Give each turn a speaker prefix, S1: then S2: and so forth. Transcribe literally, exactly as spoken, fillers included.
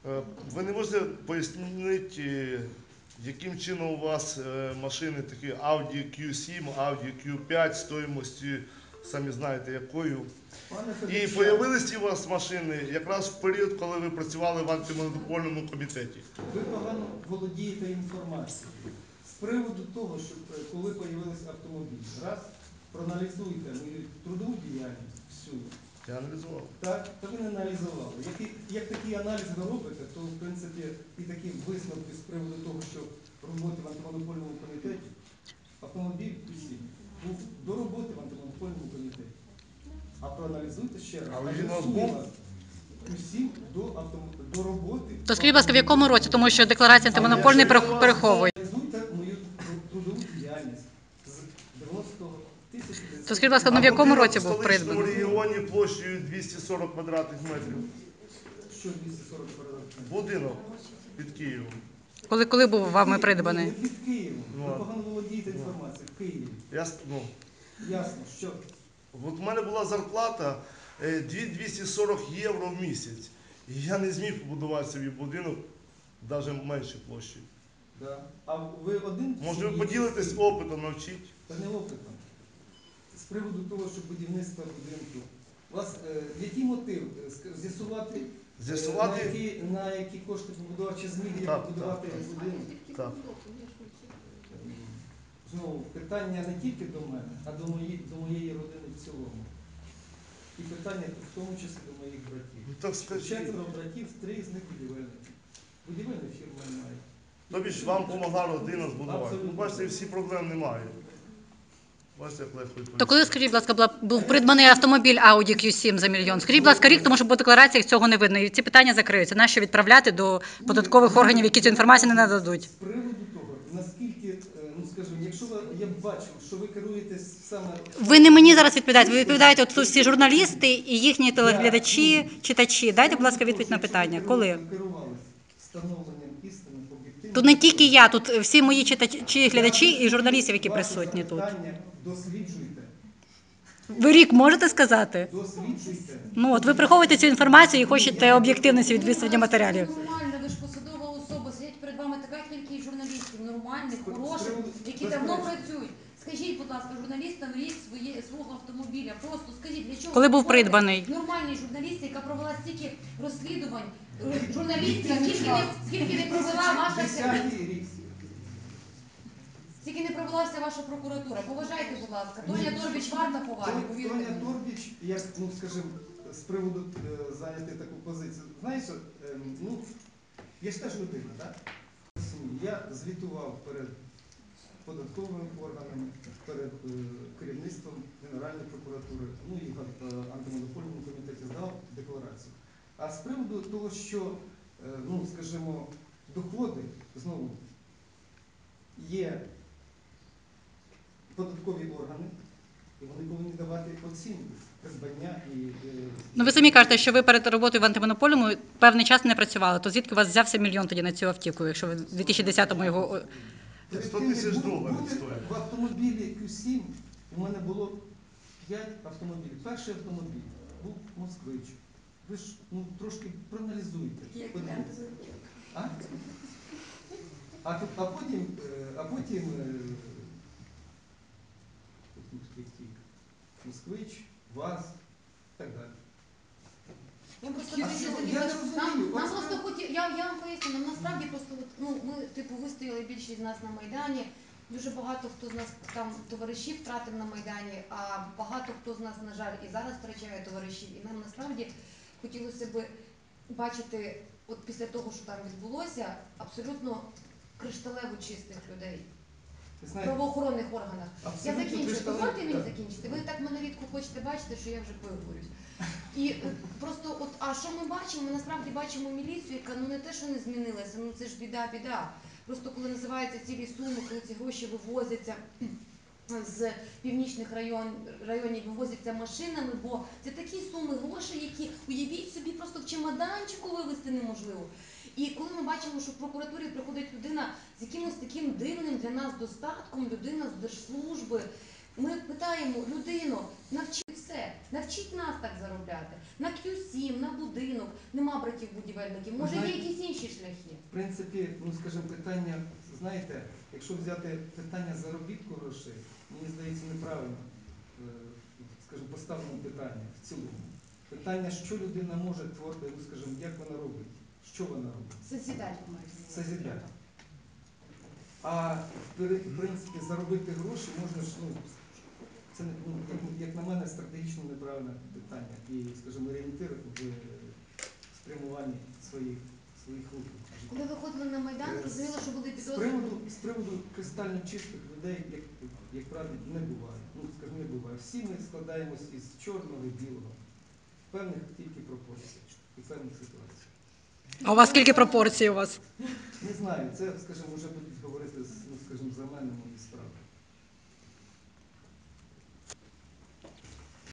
S1: Е, Ви не можете пояснити, яким чином у вас е, машини такі Audi кью сім, Audi кью п'ять стоїмостю, самі знаєте якою.
S2: Пане
S1: І
S2: Федорчак,
S1: з'явилися у вас машини якраз в період, коли ви працювали в антимонопольному комітеті.
S2: ви погано володієте інформацією. З приводу того, що е, коли з'явилися автомобілі, раз, проаналізуйте мою трудову діяльність всю.
S1: Я аналізував.
S2: Так, то ви не аналізували. Як, і- як такий аналіз ви робите, то в принципі і такі висновки з приводу того, що роботи в антимонопольному комітеті, автомобіль усі був до роботи в антимонопольному комітеті. А проаналізуйте ще раз.
S1: Але
S2: А
S1: він у вас
S2: з'ясує
S1: був?
S2: вас усім до, автом... до роботи.
S3: То скажіть, будь ласка, в якому році? Тому що декларація антимонопольної перех- переховує.
S2: Проаналізуйте мою тру- трудову діяльність з дев'яностого тисяча.
S3: То скажіть, будь ласка, ну в якому році був
S1: В столичному
S3: придбаний?
S1: регіоні площею двісті сорок квадратних метрів.
S2: Що двісті сорок квадратних?
S1: Будинок під Києвом.
S3: Коли, коли був вами придбаний?
S2: Не під Києвом.
S1: Ну,
S2: Ви
S1: а-
S2: погано володієте інформацією. В Києві.
S1: Я, с- ну,
S2: Ясно, що
S1: от у мене була зарплата е, дві тисячі двісті сорок євро в місяць. І я не зміг побудувати собі будинок навіть менше площі.
S2: да. А ви один?
S1: Може ви
S2: чи-
S1: поділитесь опитом, навчіть?
S2: Та не опитом. З приводу того, що будівництво будинку. У вас е, який мотив? Е, ск- З'ясувати, е,
S1: З'ясувати?
S2: на, які, на які кошти побудувати, чи зміг я
S1: Так,
S2: побудувати
S1: так.
S2: будинок?
S1: Так.
S2: Знову, питання не тільки до мене, а до моєї, до моєї родини в цілому. І питання в тому числі до моїх братів.
S1: Ну так скажіть.
S2: Четверо братів, три з них будівельники. Будівельні фірми немає.
S1: Тобі ж вам допомогла родина збудувати. Ну,
S2: Абсолютно.
S1: бачите, всі проблем немає. Бачите, як легко відповісти.
S3: То коли, скажіть, будь ласка, була, був придбаний автомобіль Audi кью сім за мільйон? Скажіть, будь ласка, рік, тому що по деклараціях цього не видно. І ці питання закриються. Нащо відправляти до податкових органів, які цю інформацію не нададуть?
S2: З приводу того, наскільки, е, ну скажімо, якщо ви, я бачу, що ви керуєтесь саме...
S3: Ви не мені зараз відповідаєте, ви відповідаєте от тут всі журналісти і їхні телеглядачі, читачі. Дайте, будь ласка, відповідь на питання. Коли?
S2: Ви керувалися встановленням істини об'єктивно...
S3: Тут не тільки я, тут всі мої читачі, глядачі і журналістів, які присутні тут.
S2: Досліджуйте.
S3: Ви рік можете сказати?
S2: Досліджуйте.
S3: Ну от ви приховуєте цю інформацію і хочете об'єктивності від висвітлення матеріалів.
S4: Нормально, ви ж посадова особа, сидять перед вами така кількість журналістів, нормальних, хороших, які
S2: Безперечно.
S4: давно працюють. Скажіть, будь ласка, журналістам рік своє, свого автомобіля, просто скажіть, для чого...
S3: Коли був
S4: ви ходите?
S3: придбаний?
S4: Нормальній журналісті, яка провела стільки розслідувань, е, журналістів, скільки не, скільки не провела ваша...
S2: Десятий рік.
S4: Скільки не провела вся ваша прокуратура. Поважайте, будь ласка. Тоня Торбіч варта поваги, повірте
S2: Тоня
S4: мені.
S2: Торбіч, як, ну скажімо, з приводу е, зайняти таку позицію. Знаєш, е, ну, я ж теж людина, так? Я звітував перед податковими органами, перед е, керівництвом Генеральної прокуратури, ну і в е, антимонопольному комітеті здав декларацію. А з приводу того, що, е, ну, скажімо, доходи, знову, є податкові органи, і вони повинні давати оцінку придбання і... е,
S3: Ну ви самі кажете, що ви перед роботою в антимонопольному певний час не працювали. То звідки у вас взявся мільйон тоді на цю автівку, якщо ви в дві тисячі десятому його...
S2: Перед
S1: сто
S2: тим, як
S1: тисяч
S2: бу-
S1: доларів
S2: бути
S1: стоїть.
S2: В автомобілі кью сім у мене було п'ять автомобілів. Перший автомобіль був москвич. Ви ж ну, трошки проаналізуйте. подивіться. А? А, тут- а потім, е, а потім е, москвич, ВАЗ і так далі.
S4: Я просто
S2: А
S4: хочу
S2: що?
S4: запитати,
S2: Я не
S4: нам,
S2: розумію.
S4: нам
S2: Ось
S4: просто
S2: ви-
S4: хоті, я, я вам поясню, нам насправді просто, от, ну, ми, типу, вистояли більшість з нас на Майдані, дуже багато хто з нас там товаришів втратив на Майдані, а багато хто з нас, на жаль, і зараз втрачає товаришів, і нам насправді хотілося б бачити, от після того, що там відбулося, абсолютно кришталево чистих людей.
S2: Ви
S4: В
S2: знаєте,
S4: правоохоронних органах. Я
S2: абсолютно
S4: закінчую.
S2: кришталеві-
S4: Дозвольте мені
S2: так.
S4: закінчити. Ви так мене рідко хочете бачити, що я вже виговорюсь. І е, просто, от, а що ми бачимо? Ми насправді бачимо міліцію, яка ну не те, що не змінилася, ну це ж біда, біда. Просто коли називаються цілі суми, коли ці гроші вивозяться з північних район, районів, вивозяться машинами, бо це такі суми грошей, які, уявіть собі, просто в чемоданчику вивезти неможливо. І коли ми бачимо, що в прокуратурі приходить людина з якимось таким дивним для нас достатком, людина з держслужби, Ми питаємо людину, навчіть все, навчіть нас так заробляти. На к'ю сім, на будинок, нема братів-будівельників, може є
S2: Знаєте,
S4: якісь інші шляхи.
S2: В принципі, ну скажімо, питання, знаєте, якщо взяти питання заробітку грошей, мені здається, неправильно, е, скажімо, поставлено питання в цілому. Питання, що людина може творити, ну скажімо, як вона робить, що вона робить.
S4: Созидательно мається.
S2: Созидательно. А в пер- в принципі заробити гроші можна ж, ну, це не- ну, як, як на мене, стратегічно неправильне питання і, скажімо, орієнтир в е, спрямуванні своїх, своїх рухів.
S4: Коли виходили на Майдан, зрозуміло, що були
S2: З
S4: підозри.
S2: приводу, з приводу кристально чистих людей, як, як правило, не буває. Ну, скажімо, не буває. Всі ми складаємось із чорного і білого. В певних тільки пропорціях і певних ситуаціях.
S3: А у вас скільки пропорцій у вас?
S2: Не знаю, це, скажімо, вже будуть говорити, з, ну, скажімо, за мене мої справи.